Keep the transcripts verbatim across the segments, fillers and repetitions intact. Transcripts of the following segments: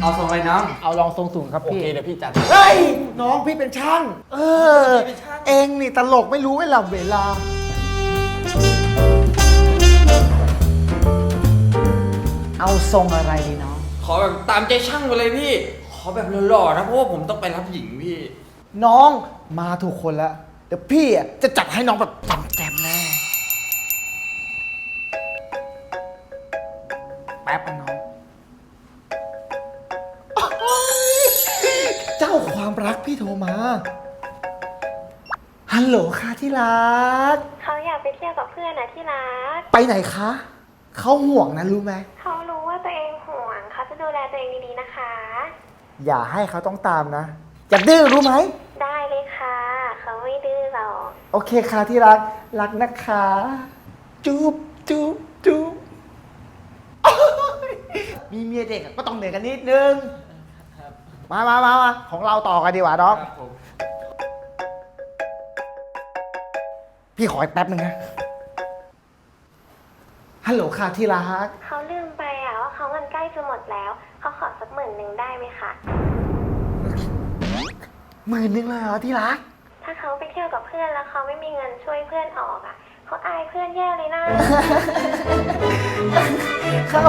เอาทรงอะไรน้องเอาลองทรงสูงครับโอพี่เคเดี๋ยวพี่จัดเฮ้ยน้องพี่เป็นช่างเออเองนี่ตลกไม่รู้เวลาเวลาเอาทรงอะไรดีน้องขอแบบตามใจช่างไปเลยพี่ ขอแบบหล่อๆนะเพราะว่าผมต้องไปรับหญิงพี่น้องมาถูกคนแล้วเดี๋ยวพี่อ่ะจะจัดให้น้องแบบแจ่มๆแน่แป๊บนะน้องเจ้าความรักพี่โทรมาฮัลโหลค่ะที่รักเขาอยากไปเที่ยวกับเพื่อนนะที่รักไปไหนคะเขาห่วงนะรู้ไหมเขารู้ว่าตัวเองห่วง เขาจะดูแลตัวเองดีๆนะคะอย่าให้เขาต้องตามนะอย่าดื้อรู้ไหมได้เลยค่ะ เขาไม่ดื้อหรอกโอเคค่ะที่รักรักนะคะจุ๊บจุ๊บจุ๊บโอ๊ยมีเมียเด็กอะก็ต้องเหนื่อยกันนิดนึงมามามามาของเราต่อกันดีกว่าน้องครับผมพี่ขออีกแป๊บนึงนะฮัลโหลค่ะที่รักเขาลืมไปอ่ะว่าเขาเงินใกล้จะหมดแล้ว เขาขอสักหมื่นหนึ่งได้ไหมคะหมื่นนึงเลยเหรอที่รักถ้าเขาไปเที่ยวกับเพื่อนแล้วเขาไม่มีเงินช่วยเพื่อนออกอ่ะ เขาอายเพื่อนแย่เลยนะเขา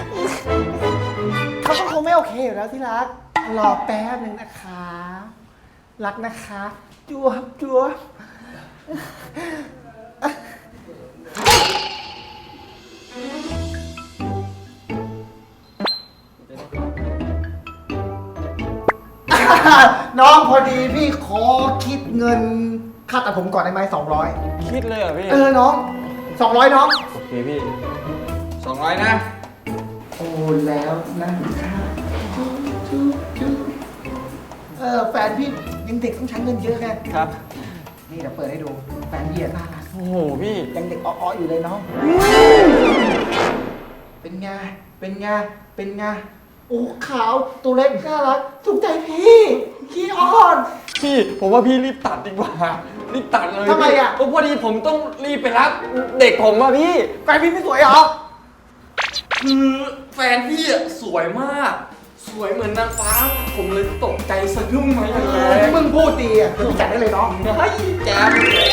เขาก็คงไม่โอเคอยู่แล้วที่รัก รอแป๊บนึงนะคะ รักนะคะจัวบจัวบน้องพอดีพี่ขอคิดเงินค่าตัดผมก่อนได้ไหมสองร้อยคิดเลยเหรอพี่เออน้องสองร้อยน้องโอเคพี่สองร้อยนะโอ้แล้วนะคะจุ๊บจุ๊บจุ๊บเออแฟนพี่ยังเด็กต้องใช้เงินเยอะไงครับนี่เดี๋ยวเปิดให้ดู แฟนพี่อะน่ารักโอ้โหพี่ยังเด็กอ้อๆอยู่เลยน้อง เป็นไง เป็นไง เป็นไง โอ้ขาวตัวเล็กน่ารักถูกใจพี่ขี้อ่อนพี่ผมว่าพี่รีบตัดดีกว่ารีบตัดเลยทำไมอะเพราะพอดีผมต้องรีบไปรับเด็กผมอะพี่แฟนพี่ไม่สวยเหรอคือแฟนพี่อะสวยมาก สวยเหมือนนางฟ้า ผมเลยตกใจสะดุ้งมาอย่างแรเออที่งมึงพูดดีอ่ะเดี๋ยวพี่จัดได้เลยน้องเฮ้ยแจ๊บ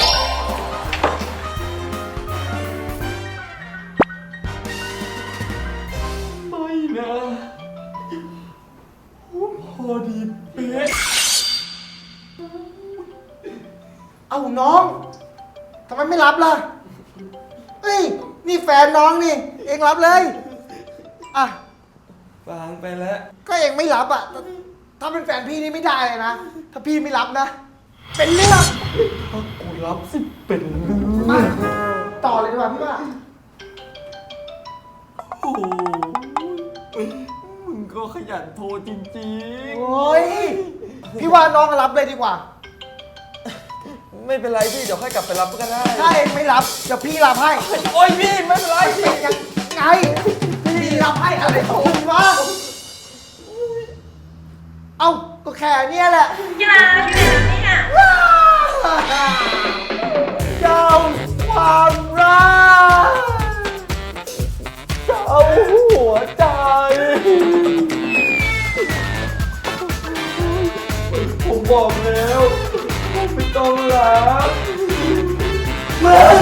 ไม่นะพอดีเป๊ะเอ้าน้องทำไมไม่รับล่ะ เฮ้ย นี่แฟนน้องนี่ เองรับเลย อ่ะวางไปแล้วก็เองไม่รับอ่ะ ถ้าเป็นแฟนพี่นี่ไม่ได้เลยนะ ถ้าพี่ไม่รับนะ เป็นเรื่องถ้ากูรับสิเป็นเรื่องมาต่อเลยดีกว่าพี่ว่าโอ้โหมึงก็ขยันโทรจริงโอ้ย พี่ว่าน้องรับเลยดีกว่าๆ ไม่เป็นไรพี่ เดี๋ยวค่อยกลับไปรับก็ได้ถ้าเองไม่รับเดี๋ยวพี่รับให้โอ้ยพี่ไม่เป็นไรพี่ยังไง พี่รับให้อะไรของคุณวะเอ้า ก็แค่เนี้ยแหละกีฬาอยู่ไหนเนี่ยเจ้าความรักเจ้าหัวใจผมบอกแล้วผมไม่ต้องรักมึง